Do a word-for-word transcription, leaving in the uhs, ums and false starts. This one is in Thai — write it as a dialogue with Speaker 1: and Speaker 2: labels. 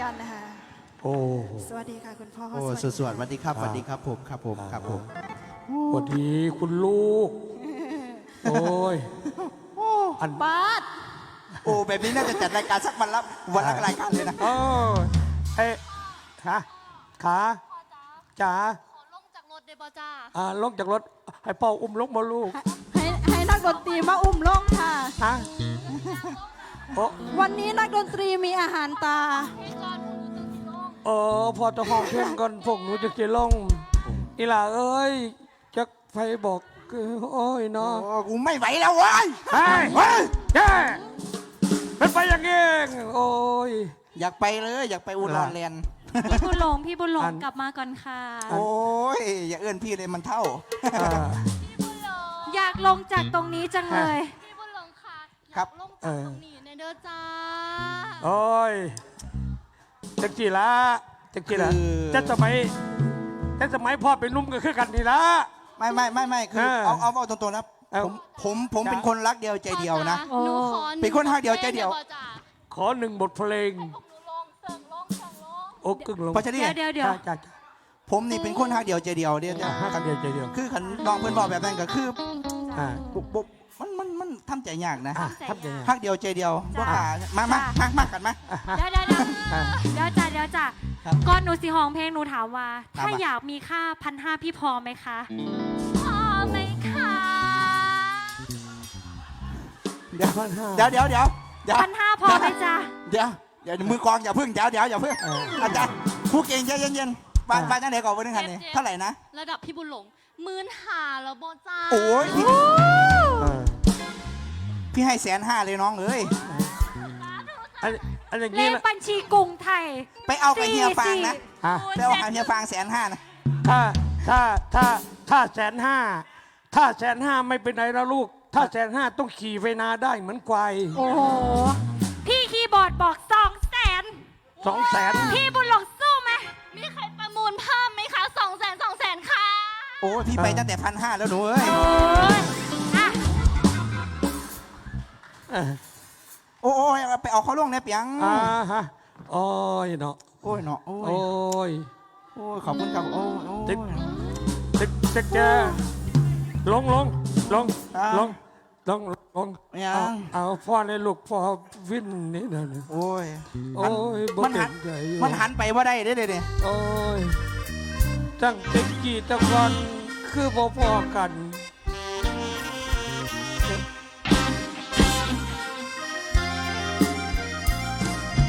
Speaker 1: รนะคะ
Speaker 2: โอ้
Speaker 1: สวัสดีค่ะคุณพ่อ
Speaker 3: โอ้สวดสวัสดีครับสวัสดีครับผมครับผมครับผม
Speaker 2: สวัสดีคุณลูกโอ้ยอัน
Speaker 1: บาส
Speaker 3: โอ้แบบนี้น่าจะจัดรายการสักวันละวันละรายการเลยนะ
Speaker 2: โอ้เอ้ขาขาจ๋า
Speaker 4: ขอลงจากรถเดบจ้า
Speaker 2: อ่าลงจากรถให้พ่ออุ้มลงมาลูก
Speaker 1: ให้ให้นักดนตรีมาอุ้มลงค่ะ
Speaker 2: ฮะโอ้
Speaker 1: วันนี้นักดนตรีมีอาหารตา
Speaker 4: พี่จอนหนูจะกินลง
Speaker 2: เออพอจะห้องเพ่งก่อนพวกหนูจะกินลงอีหล่าเอ้ยจักไฟบอกโอ้ยเนาะ
Speaker 3: โอ้กูไม่ไหวแล้วเว้ย
Speaker 2: เฮ้ย
Speaker 3: เฮ้ย
Speaker 2: แย่เป็นไปอย่างงี้โอ้ย
Speaker 3: อยากไปเลยอยากไปอุดรแลนด์
Speaker 4: พี่บุญหลงพี่บุญหลง
Speaker 2: อัน
Speaker 4: กลับมาก่อนค่ะ
Speaker 3: โอ้ยอย่าเอื้อนพี่เลยมันเท่า
Speaker 2: อ่า
Speaker 4: พี่บุญหลง
Speaker 1: อยากลงจากตรงนี้จังเลย
Speaker 4: พี่บุญหลงค่ะอ
Speaker 3: ครั
Speaker 4: ยา
Speaker 3: บ
Speaker 4: กลงจากตรงนี้ในเด้อจ้า
Speaker 2: โอ้ยจักจีละจักจีละ
Speaker 3: คือ
Speaker 2: จะสมัยจะสมัยพ่อเป็นนุ่มก็คือกันนี่ละ
Speaker 3: ไม่ไม่ไม่ไม่คือ
Speaker 2: เออ
Speaker 3: เอาเอาเอาตรงๆนะ
Speaker 2: เอา
Speaker 3: ผมผมผม
Speaker 2: จ้ะ
Speaker 3: เป็นคนรักเดียวใจเดียวนะ
Speaker 4: พ่อจ๋าหนูขอ
Speaker 3: เป็นคนรักเดียวใจเดียว
Speaker 4: จ้า
Speaker 2: ขอหนึ่งบทเพลง
Speaker 4: พวกหนูลงเสิร์งลงเสิร์งลง
Speaker 2: โอ้กึ่งลง
Speaker 3: เพราะฉะนั้น
Speaker 1: เดี๋ยวเดี๋ยวเดี๋ยว
Speaker 2: จ้าจ้าจ้า
Speaker 3: ผมนี่เป็นคนรักเดียวใจเดียวเดียว
Speaker 2: ห้ากันเดียวใจเดียว
Speaker 3: คือขันน้องเพื่อนบอกแบบนั้นก็คือ
Speaker 2: อ่า
Speaker 3: บุบบุบมันมันมันทำใจยากนะ
Speaker 2: อ่ะทำยังไง
Speaker 3: รักเดียวใจเดียวบ่กล้ามามามามากันมา
Speaker 4: เดี๋ยวเดี๋ยวเดี๋ยว
Speaker 2: อ่ะ
Speaker 4: เดี๋ยวจ้าเดี๋ยวจ้า
Speaker 3: ครับ
Speaker 4: ก่อนหนูสิห้องเพลงหนูถามว่า
Speaker 3: ถาม
Speaker 4: ถ้า
Speaker 3: ว่า
Speaker 4: อยากมีค่าพันห้าพี่พอไหมคะ พอไหมคะ
Speaker 3: เดี๋ยว
Speaker 2: พันห้า
Speaker 3: เดี๋ยวเดี๋ยวเดี๋ยวเดี๋ยว
Speaker 4: พันห้าพอไหมจ๊ะ
Speaker 3: เดี๋ยวเดี๋ยวมือกลองอย่าพึ่งเดี๋ยวเดี๋ยวอย่าพึ่ง
Speaker 2: เออ
Speaker 3: อาจารย์ผู้เก่งใจเย็นๆบ้านบ้านจังไหนก่อนวันนึงคันนี้เท่าไหร่นะ
Speaker 4: ระดับพี่บุญหลงหมื่นหาแล้วบอจ้า
Speaker 3: โอ้ยพี่
Speaker 2: เออ
Speaker 3: พี่ให้แสนห้าเลยน้องเอ้ย
Speaker 2: อันอันอย่าง
Speaker 4: เล
Speaker 2: นี้
Speaker 4: ข
Speaker 2: ละ
Speaker 4: บัญชีกรุงไทย
Speaker 3: ไปเอากับเฮียฟางนะ
Speaker 2: ฮะ
Speaker 3: ไปเอากับเฮียฟางแสนห้านะ
Speaker 2: ถ้าถ้าถ้าถ้าแสนห้าถ้าแสนห้าไม่เป็นไรแล้วลูก ถ้าแสนห้าต้องขี่ไฟนาได้เหมือนควาย
Speaker 4: โอ้โห พี่คีย์บอร์ดบอกสองแสน
Speaker 2: สองแสน
Speaker 4: พี่บุญหลงสู้ไหม มีใครประมูลเพิ่มไหมคะสองแสนสองแสนค่ะ
Speaker 3: โอ้ยพี่ไปตั้งแต่พันห้าแล้วหนูเอ้ย
Speaker 4: โอ้ยอ่ะ
Speaker 2: เออ
Speaker 3: โอ้ยไปเอาเขาลงเนี่ยเปียง
Speaker 2: อ่าฮะโอ้ยเนาะ
Speaker 3: โอ้ยเนาะโอ้
Speaker 2: โอ้
Speaker 3: ย
Speaker 2: ย
Speaker 3: โอ้ยขอบคุณครับโอ้ยโอ้
Speaker 2: ติ๊
Speaker 3: ย
Speaker 2: ก จะจะจะลงลงลง
Speaker 3: อ่า
Speaker 2: ลงลงลง
Speaker 3: ยัง
Speaker 2: เอาเอาพ่อในลูกพ่อวินนี่นะนี่
Speaker 3: โอ้ย
Speaker 2: โอ้ยบ่
Speaker 3: มันหัน
Speaker 2: เต็มใจอยู่
Speaker 3: มันหันไปว่าได้เด้เด้เด้
Speaker 2: โอ้ยตั้งแต่กี่ตะกอนคือบ่พอกัน